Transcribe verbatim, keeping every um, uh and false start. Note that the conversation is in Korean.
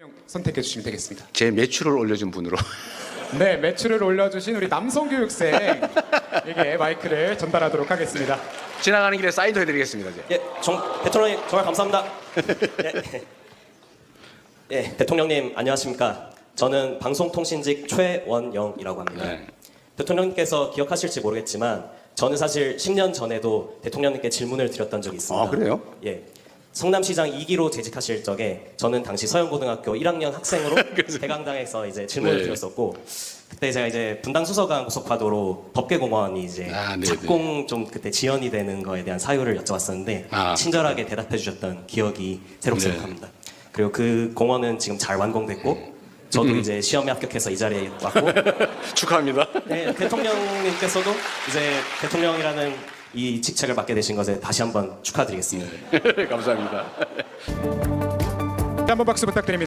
선택해 주시면 되겠습니다. 제 매출을 올려준 분으로. 네, 매출을 올려주신 우리 남성교육생에게 마이크를 전달하도록 하겠습니다. 지나가는 길에 사인도 해드리겠습니다. 이제. 예, 정, 대통령님 정말 감사합니다. 예, 예, 대통령님 안녕하십니까? 저는 방송통신직 최원영이라고 합니다. 네. 대통령님께서 기억하실지 모르겠지만 저는 사실 십 년 전에도 대통령님께 질문을 드렸던 적이 있습니다. 아, 그래요? 예. 성남시장 이 기로 재직하실 적에 저는 당시 서영고등학교 일 학년 학생으로 대강당에서 이제 질문을 네. 드렸었고 그때 제가 이제 분당 수서강 고속화도로 법계공원이 이제 아, 네네. 착공 좀 그때 지연이 되는 거에 대한 사유를 여쭤봤었는데 아, 친절하게 대답해 주셨던 기억이 새록새록합니다. 네. 그리고 그 공원은 지금 잘 완공됐고 저도 음. 이제 시험에 합격해서 이 자리에 왔고 축하합니다. 네, 대통령님께서도 이제 대통령이라는 이 직책을 맡게 되신 것에 다시 한번 축하드리겠습니다. 감사합니다. 한번 박수 부탁드립니다.